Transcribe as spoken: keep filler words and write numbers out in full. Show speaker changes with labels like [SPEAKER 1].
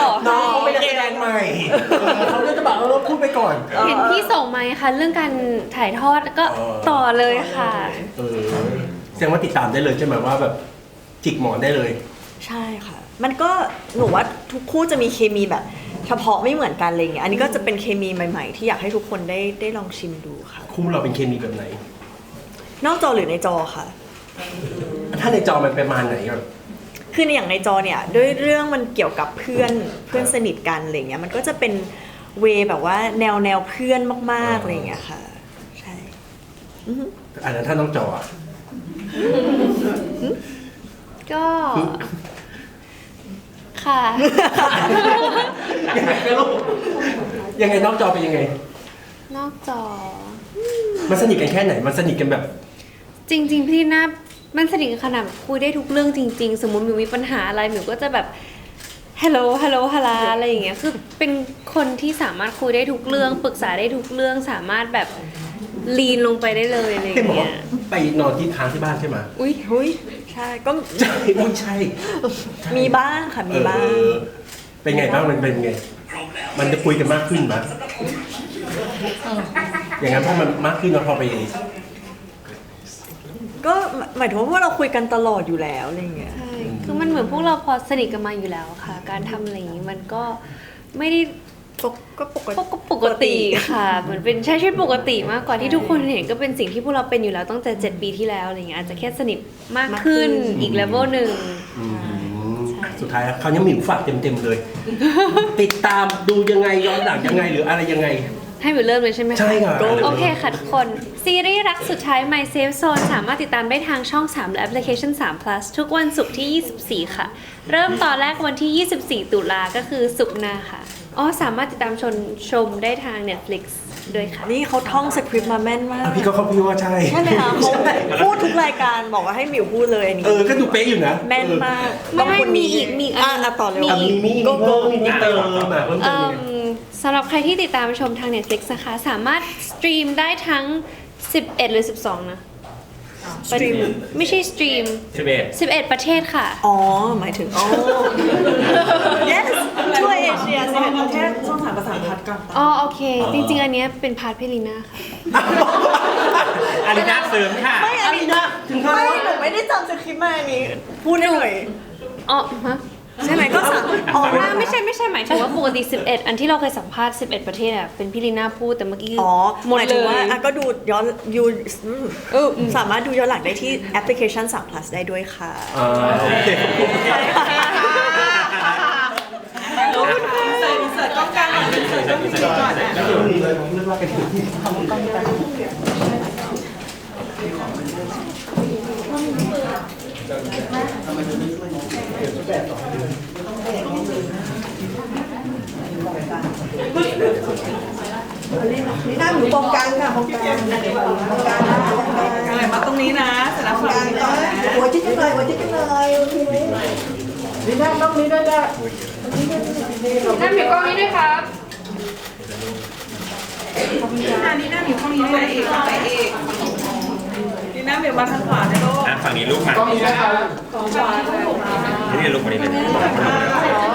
[SPEAKER 1] น้องเขาไม่ได้แสดงใหม่เขาจะบอกเราพูดไปก่อน
[SPEAKER 2] เห็นพี่ส่งมาค่ะเรื่องการถ่ายทอดก็ต่อเลยค่ะ
[SPEAKER 1] เออแสดงว่าติดตามได้เลยใช่ไหมว่าแบบจิกหมอนได้เลย
[SPEAKER 3] ใช่ค่ะมันก็หนูว่าทุกคู่จะมีเคมีแบบเฉพาะไม่เหมือนกันอะไรเงี้ยอันนี้ก็จะเป็นเคมีใหม่ๆที่อยากให้ทุกคนได้ได้ลองชิมดูค่ะ
[SPEAKER 1] คู่เราเป็นเคมีแบบไหน
[SPEAKER 3] นอกจอหรือในจอค่ะ
[SPEAKER 1] ถ้าในจอมันประมาณไหนก่อน
[SPEAKER 3] คือในอย่างในจอเนี่ยด้วยเรื่องมันเกี่ยวกับเพื่อนเพื่อนสนิทกันอะไรเงี้ยมันก็จะเป็นเวแบบว่าแนวแนวเพื่อนมากๆอะไรเงี้ยค่ะใช่
[SPEAKER 1] อันนั้นถ้าน้องจอ
[SPEAKER 2] ก็ค่ะ
[SPEAKER 1] ยังไงก็ลูกยังไงนอกจอเป็นยังไง
[SPEAKER 2] นอกจอ
[SPEAKER 1] มันสนิทกันแค่ไหนมันสนิทกันแบบ
[SPEAKER 2] จริงๆพี่น่ามันสนิทกันขนาดคุยได้ทุกเรื่องจริงๆสมมติมิวมีปัญหาอะไรมิวก็จะแบบฮัลโหลฮัลโหลฮัลลาอะไรอย่างเงี้ยคือเป็นคนที่สามารถคุยได้ทุกเรื่องปรึกษาได้ทุกเรื่องสามารถแบบลีนลงไปได้เลยอะไรอย่างเงี้ย
[SPEAKER 1] ไปนอนที่ค้างที่บ้านใช่ไหม
[SPEAKER 3] อุ้ยอุ้ยใช่ก็
[SPEAKER 1] ใช่ไม่ใช่
[SPEAKER 3] มีบ้างค่ะมีบ้าง
[SPEAKER 1] เป็นไงบ้างมันเป็นไงมันจะคุยกันมากขึ้นไหมอย่างนั้นพอมันมากขึ้นเราพอไป
[SPEAKER 3] ก็หมายถึงว่าเราคุยกันตลอดอยู่แล้วอะไรเงี้ย
[SPEAKER 2] ใช่คือมันเหมือนพวกเราพอสนิทกันมาอยู่แล้วค่ะการทำอะไรอย่างนี้มันก็ไม่ได้
[SPEAKER 3] ก็ปกติ
[SPEAKER 2] ก็ปกติค่ะเหมือนเป็นใช้ชีวิตปกติมากกว่าที่ทุกคนเห็นก็เป็นสิ่งที่พวกเราเป็นอยู่แล้วตั้งแต่เจ็ดปีที่แล้วอะไรเงี้ยอาจจะแค่สนิทมากขึ้นอีกเลเวลหนึ่ง
[SPEAKER 1] สุดท้ายเขายังมีฝากเต็มๆเลยติดตามดูยังไงย้อนหลังยังไงหรืออะไรยังไง
[SPEAKER 2] ให้มิวเริ่มเลยใช่ไหม
[SPEAKER 1] ใช่ค่ะ
[SPEAKER 2] โอเคค่ะทุกคนซีรีส์รักสุดท้าย My Safe Zone สามารถติดตามได้ทางช่องสามและแอปพลิเคชันสาม plus ทุกวันศุกร์ที่ยี่สิบสี่ค่ะเริ่มตอนแรกวันที่ยี่สิบสี่ตุลาก็คือศุกร์หน้าค่ะอ๋อสามารถติดตามชมชมได้ทาง Netflix ด้วยค่ะ
[SPEAKER 3] นี่เขาท่องสคริปต์มาแม่นมาก
[SPEAKER 1] พี่ก็เขาพี่ว่าใช่
[SPEAKER 3] ใช่ไหมคะเขาพูดทุกรายการบอกว่าให้หมิวพูดเลยอันนี้
[SPEAKER 1] เออก็ดูเป๊ะอยู่นะ
[SPEAKER 3] แม่นมาก
[SPEAKER 2] ไม่มีอีกมี
[SPEAKER 3] อ่ะต่อเลย
[SPEAKER 1] มีมีก็ก็มีเติมมาเพิ่มเติม
[SPEAKER 2] สำหรับใครที่ติดตามชมทาง Netflix นะคะสามารถสตรีมได้ทั้งสิบเอ็ดหรือสิบสองนะ
[SPEAKER 3] สตรีม
[SPEAKER 2] ไม่ใช่สตรีม
[SPEAKER 1] สิบเอ็ด
[SPEAKER 2] สิบเอ็ดประเทศค่ะ
[SPEAKER 3] อ๋อหมายถึงอ๋อ yes ทั่วเอเชียสิบเอ็ดประเทศช่องสามภาษาพัดกัน
[SPEAKER 2] อ๋อโอเคจริงๆอันนี้เป็นพาร์ทเพลิน่าค่ะ
[SPEAKER 1] อารีนาเสริมค่ะ
[SPEAKER 3] ไม่อารีนาไม่หนูไม่ได้จำสคริปต์มาอันนี้พูดได้เลย
[SPEAKER 2] อ๋อฮะ
[SPEAKER 3] ใช่ไหมก็สั่ง
[SPEAKER 2] อ๋อไม่ใช่ไม่ใช่หมายถึงว่าปกติสิบเอ็ดอันที่เราเคยสัมภาษณ์สิบเอ็ดประเทศอ่ะเป็นพี่ลีน่าพูดแต่เมื่อกี้
[SPEAKER 3] อ๋อหมดเลยว่าอ่ะก็ดูย้อนยูสามารถดูย้อนหลังได้ที่แอปพลิเคชันสาม plus ได้ด้วยค่ะ
[SPEAKER 1] อ๋อโอเค
[SPEAKER 4] เสิร์ฟเสิร์ฟกล้องกลางก่อนเสิร์ฟกล้องกลางก่อนนะ
[SPEAKER 1] นึกว่าเป็นที่ทำกล้องกลาง
[SPEAKER 4] นี่นั่งอยู่ตรงกลางค่ะตรงกลางตรงกลางอะไรมาตรงนี้นะเสร็จแล้วฝั่งนี้ก่อนนะ
[SPEAKER 5] หัวจิ๊กกันเลยหัวจิ๊กกันเลยโอเคนี่นั่งต้องนี้ด้วยนะ
[SPEAKER 2] นั่งอยู่กล้องนี้ด้วยครับ
[SPEAKER 4] นี่นั่งอยู่กล้องนี้ด้วยเอกไปเอกนี่นั่งเดี๋ยวมาทางขวานะลูก
[SPEAKER 6] ฝั่งนี้ลูกมา
[SPEAKER 5] ต้องนี้นะครับ
[SPEAKER 4] ของขวา
[SPEAKER 6] นี่ลูกมานี่เลย